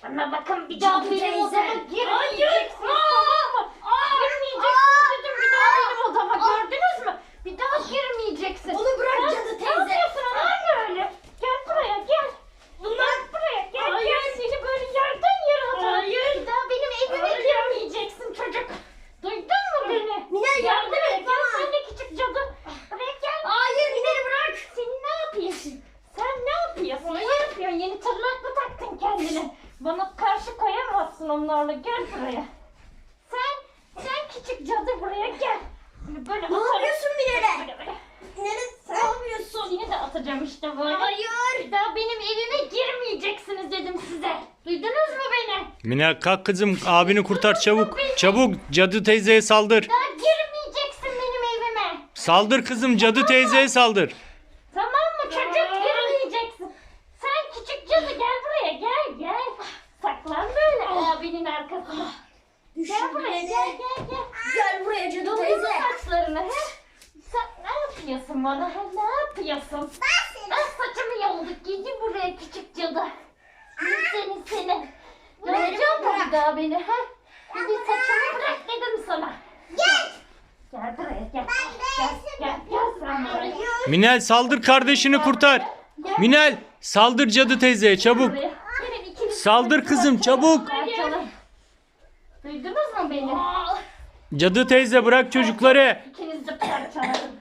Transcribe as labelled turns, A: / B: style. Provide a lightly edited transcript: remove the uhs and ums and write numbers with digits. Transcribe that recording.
A: Bana bakın bir daha benim
B: teyze.
A: odama girmeyeceksiniz, tamam mı? Girmeyeceksiniz dedim, bir daha benim odama, gördünüz mü? Bir daha girmeyeceksin.
B: Onu bırak
A: Sen
B: cadı
A: Ne
B: teyze.
A: yapıyorsun anneanne öyle? Gel buraya gel. Gel buraya gel.
B: Hayır.
A: Gel, seni böyle yerden yere atarım.
B: Hayır.
A: Bir daha benim evime
B: Hayır.
A: girmeyeceksin çocuk. Duydun mu beni?
B: Minel, yardım
A: buraya
B: et
A: gel,
B: bana.
A: sen de küçük cadı. Buraya gel.
B: Hayır, Minel'i bırak.
A: Sen ne yapıyorsun? Sen ne yapıyorsun? Ne yapıyorsun? Yeni tırnak mı taktın kendine? Bana karşı koyamazsın onlarla. Gel buraya. Sen küçük cadı buraya gel. Böyle
B: Ne
A: atarım.
B: yapıyorsun Minel'e?
A: Böyle.
B: Minel'e ne yapıyorsun?
A: Seni de atacağım işte böyle.
B: Hayır.
A: Bir daha benim evime girmeyeceksiniz dedim size. Duydunuz mu beni?
C: Minel kalk kızım, abini kurtar çabuk. Çabuk, cadı teyzeye saldır.
A: Daha girmeyeceksin benim evime.
C: Saldır kızım, cadı teyzeye saldır.
A: Tamam mı çocuk? Girmeyeceksin. Sen küçük cadı gel buraya, gel. Saklan böyle abinin arkasına. Gel buraya, gel.
B: Gel buraya cadı
A: Doluyor
B: teyze.
A: saçlarını he? Sen ne yapıyorsun bana? He? Ne yapıyorsun? Ben saçımı yolduk. Gidi buraya küçük cadı. Seni. Göreceğim mi bir daha beni? He? Hadi saçımı bırak dedim sana. Gel buraya gel. Gel sen buraya.
C: Minel saldır, kardeşini kurtar. Minel saldır cadı teyzeye çabuk.
A: Buraya. Gelin ikiniz
C: Saldır kızım, çabuk.
A: parçalayın. Duydunuz mu beni?
C: Cadı teyze bırak çocukları.
A: İkiniz de parçalarım.